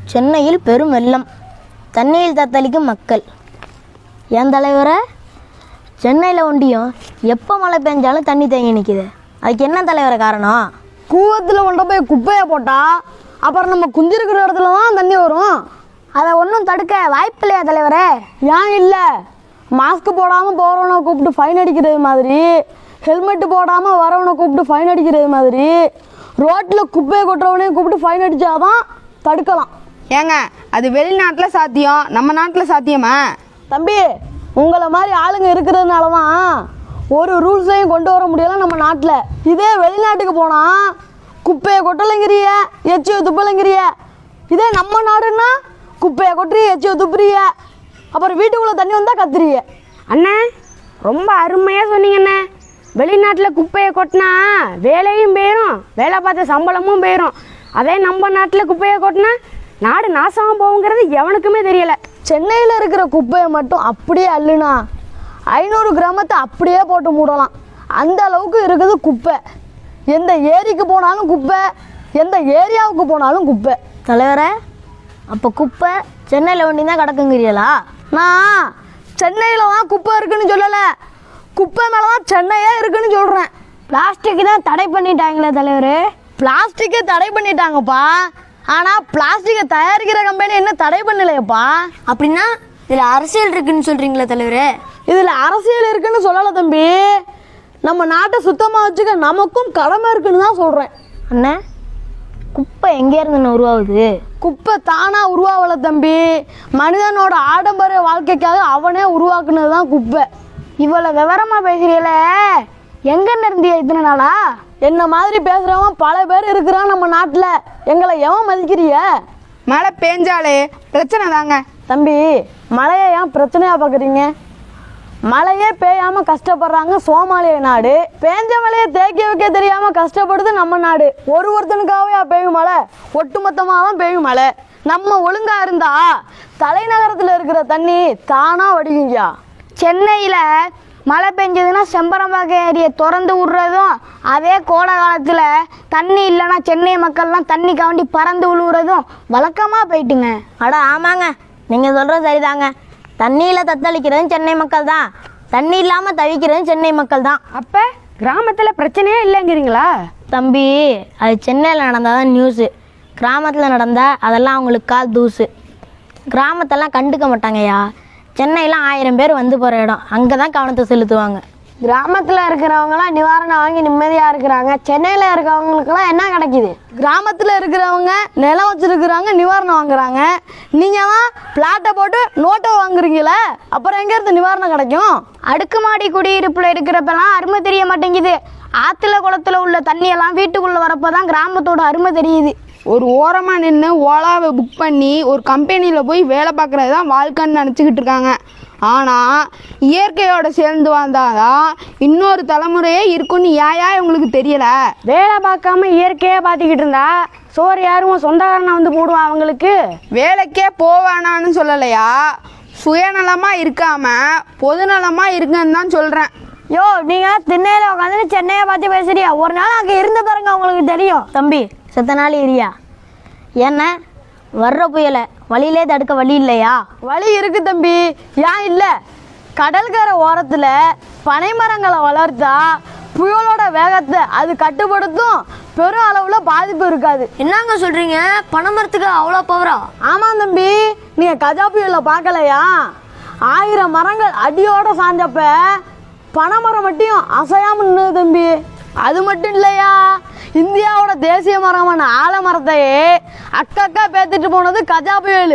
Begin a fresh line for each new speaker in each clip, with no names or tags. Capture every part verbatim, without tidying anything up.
சென்னையில் பெரும் வெள்ளம், தண்ணியில் தத்தளிக்கும் மக்கள். என் தலைவரை, சென்னையில் ஒண்டியும் எப்போ மழை பெஞ்சாலும் தண்ணி தேங்கி நிற்கிது. அதுக்கு என்ன தலைவரை காரணம்?
கூவத்தில் கொண்டு போய் குப்பையை போட்டால் அப்புறம் நம்ம குந்திருக்கிற இடத்துல தான் தண்ணி வரும்.
அதை ஒன்றும் தடுக்க வாய்ப்பு இல்லையா தலைவரே?
ஏன் இல்லை? மாஸ்க் போடாமல் போகிறவனை கூப்பிட்டு ஃபைன் அடிக்கிறது மாதிரி, ஹெல்மெட்டு போடாமல் வரவனை கூப்பிட்டு ஃபைன் அடிக்கிறது மாதிரி, ரோட்டில் குப்பையை கொட்டுறவனையும் கூப்பிட்டு ஃபைன் அடித்தாதான் தடுக்கலாம்.
ஏங்க, அது வெளிநாட்டில் சாத்தியம், நம்ம நாட்டில் சாத்தியமா?
தம்பி, உங்களை மாதிரி ஆளுங்க இருக்கிறதுனால தான் ஒரு ரூல்ஸையும் கொண்டு வர முடியலை நம்ம நாட்டில். இதே வெளிநாட்டுக்கு போனால் குப்பையை கொட்டலைங்கிறிய, எச்சியை துப்பலைங்கிறிய. இதே நம்ம நாடுன்னா குப்பையை கொட்டுறிய, எச்சியை துப்புறிய, அப்புறம் வீட்டுக்குள்ளே தண்ணி வந்தால் கத்துறிய.
அண்ணே, ரொம்ப அருமையாக சொன்னீங்கண்ணே. வெளிநாட்டில் குப்பையை கொட்டினா வேலையும் போயிடும், வேலை பார்த்த சம்பளமும் போயிடும். அதே நம்ம நாட்டில் குப்பையை கொட்டினா நாடு நாசமாக போகுங்கிறது எவனுக்குமே தெரியலை.
சென்னையில் இருக்கிற குப்பையை மட்டும் அப்படியே அள்ளுனா ஐநூறு கிராமத்தை அப்படியே போட்டு மூடலாம். அந்த அளவுக்கு இருக்குது குப்பை. எந்த ஏரிக்கு போனாலும் குப்பை, எந்த ஏரியாவுக்கு போனாலும் குப்பை.
தலைவரை, அப்போ குப்பை சென்னையில் ஒண்டி தான் கிடக்குங்கிறீங்களா?
நான் சென்னையில் தான் குப்பை இருக்குன்னு சொல்லலை, குப்பை மேலே தான் சென்னையே இருக்குன்னு சொல்கிறேன்.
பிளாஸ்டிக் தான் தடை பண்ணிட்டாங்களே தலைவர்.
பிளாஸ்டிக்கை தடை பண்ணிட்டாங்கப்பா, ஆனால் பிளாஸ்டிக்கை தயாரிக்கிற கம்பெனி என்ன தடை பண்ணலையப்பா.
அப்படின்னா இதில் அரசியல் இருக்குன்னு சொல்கிறீங்களா தலைவர்?
இதில் அரசியல் இருக்குன்னு சொல்லலை தம்பி, நம்ம நாட்டை சுத்தமாக வச்சுக்க நமக்கும் கடமை இருக்குன்னு தான் சொல்கிறேன்.
அண்ணா, குப்பை எங்கேருந்து உருவாகுது?
குப்பை தானாக உருவாகலை தம்பி, மனிதனோட ஆடம்பர வாழ்க்கைக்காக அவனே உருவாக்குனது தான் குப்பை.
இவ்வளோ விவரமாக பேசுகிறீங்கள, எங்கன்னு இருந்தியா இத்தனை நாளா?
என்ன மாதிரி பேசுகிறவன் பல பேர் இருக்கிறான் நம்ம நாட்டில். எங்களை எவன் மதிக்கிறிய?
மழை பேஞ்சாலே பிரச்சனை தாங்க.
தம்பி, மழையை ஏன் பிரச்சனையாக பார்க்குறீங்க? மழையே பெய்யாமல் கஷ்டப்படுறாங்க சோமாலிய நாடு, பேஞ்ச மழையை தேக்கி வைக்க தெரியாமல் கஷ்டப்படுது நம்ம நாடு. ஒரு ஒருத்தனுக்காகவே பெய்யும் மழை, ஒட்டுமொத்தமாக தான் பெய்யும் மழை. நம்ம ஒழுங்காக இருந்தா தலைநகரத்தில் இருக்கிற தண்ணி தானாக வடிக்குங்கயா.
சென்னையில் மழை பெஞ்சதுன்னா செம்பரம்பாக்கம் ஏரியை திறந்து விட்றதும், அதே கோடை காலத்தில் தண்ணி இல்லைன்னா சென்னை மக்கள்லாம் தண்ணி காண்டி பறந்து விழுவுறதும் வழக்கமாக போயிட்டுங்க.
அட ஆமாங்க, நீங்கள் சொல்கிறது சரிதாங்க. தண்ணியில் தத்தளிக்கிறதும் சென்னை மக்கள் தான், தண்ணி இல்லாமல் தவிக்கிறதும் சென்னை மக்கள் தான்.
அப்போ கிராமத்தில் பிரச்சனையே இல்லைங்கிறீங்களா?
தம்பி, அது சென்னையில் நடந்தால் தான் நியூஸு, கிராமத்தில் நடந்தால் அதெல்லாம் அவங்களுக்கு கால் தூசு. கிராமத்தெல்லாம் கண்டுக்க மாட்டாங்கய்யா. சென்னையில் ஆயிரம் பேர் வந்து போகிற இடம், அங்கே தான் கவனத்தை செலுத்துவாங்க.
கிராமத்தில் இருக்கிறவங்களாம் நிவாரணம் வாங்கி நிம்மதியாக இருக்கிறாங்க, சென்னையில் இருக்கிறவங்களுக்குலாம் என்ன கிடைக்கிது?
கிராமத்தில் இருக்கிறவங்க நிலம் வச்சுருக்குறாங்க, நிவாரணம் வாங்குறாங்க. நீங்கள் தான் பிளாட்டை போட்டு நோட்டை வாங்குறீங்களே, அப்புறம் எங்கேருந்து நிவாரணம் கிடைக்கும்?
அடுக்குமாடி குடியிருப்பில் இருக்கிறப்பெல்லாம் அருமை தெரிய மாட்டேங்குது. ஆற்றுல குளத்தில் உள்ள தண்ணியெல்லாம் வீட்டுக்குள்ளே வரப்போ தான் கிராமத்தோட அருமை தெரியுது.
ஒரு ஓரமாக நின்று ஓலாவை புக் பண்ணி ஒரு கம்பெனியில் போய் வேலை பார்க்குறது தான் வாழ்க்கைன்னு நினச்சிக்கிட்டு இருக்காங்க. ஆனால் இயற்கையோடு சேர்ந்து வந்தாதான் இன்னொரு தலைமுறையே இருக்குன்னு ஏயா இவங்களுக்கு தெரியலை?
வேலை பார்க்காம இயற்கையாக பார்த்துக்கிட்டு இருந்தா சோறு யாரும் சொந்தக்காரனை வந்து போடுவான் அவங்களுக்கு.
வேலைக்கே போவானான்னு சொல்லலையா, சுயநலமாக இருக்காமல் பொதுநலமாக இருக்குன்னு தான் சொல்கிறேன்.
யோ, நீங்கள் திண்ணையில் உட்காந்து சென்னையை பார்த்து பேசுறியா? ஒரு நாள் அங்கே இருந்து பாருங்க, உங்களுக்கு தெரியும்.
தம்பி, செத்த நாள் ஏரியா என்ன வர்ற புயலை வழியிலே தடுக்க வழி இல்லையா?
வழி இருக்கு தம்பி, ஏன் இல்லை? கடற்கரை ஓரத்தில் பனைமரங்களை வளர்த்தா புயலோட வேகத்தை அது கட்டுப்படுத்தும், பெரும் அளவில் பாதிப்பு இருக்காது.
என்னங்க சொல்கிறீங்க? பனைமரத்துக்கு அவ்வளோ பவரா?
ஆமாம் தம்பி, நீங்கள் கஜா புயலை பார்க்கலையா? ஆயிரம் மரங்கள் அடியோட சாஞ்சப்ப பனைமரம் மட்டும் அசையாமல் நின்று தம்பி. அது மட்டும் இல்லையா, இந்தியாவோட தேசிய மரமான ஆலமரத்தையே அக்கக்கா பேத்துட்டு போனது கஜா புயல்.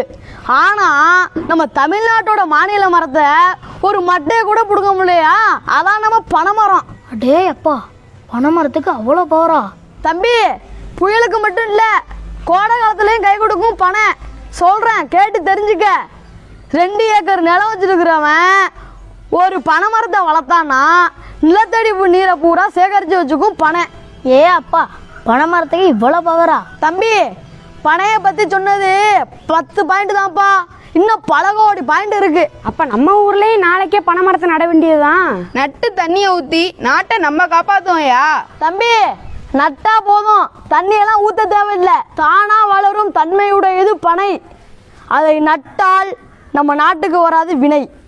ஆனால் நம்ம தமிழ்நாட்டோட மாநில மரத்தை ஒரு மட்டையை கூட பிடுங்க முடியலையா, அதான் நம்ம பனைமரம்.
அடே அப்பா, பனைமரத்துக்கு அவ்வளோ பவரா?
தம்பி, புயலுக்கு மட்டும் இல்லை, கோடை காலத்துலேயும் கை கொடுக்கும் பனை. சொல்கிறேன், கேட்டு தெரிஞ்சுக்க. ரெண்டு ஏக்கர் நிலம் வச்சுருக்கிறவன் ஒரு பனைமரத்தை வளர்த்தான்னா நிலத்தடிப்பு நீரை பூரா சேகரித்து வச்சுக்கும் பனை.
ஏ அப்பா, பனைமரத்துக்கு இவ்வளோ பவரா?
தம்பி, பனையை பற்றி சொன்னது பத்து பாயிண்ட் தான்ப்பா, இன்னும் பல கோடி பாயிண்ட் இருக்கு.
அப்போ நம்ம ஊர்லேயும் நாளைக்கே பனைமரத்தை நட வேண்டியதுதான்.
நட்டு தண்ணியை ஊற்றி நாட்டை நம்ம காப்பாற்றுவோம்யா.
தம்பி, நட்டா போதும், தண்ணியெல்லாம் ஊற்ற தேவையில்லை. தானாக வளரும் தன்மையுடையது பனை. அதை நட்டால் நம்ம நாட்டுக்கு வராது வினை.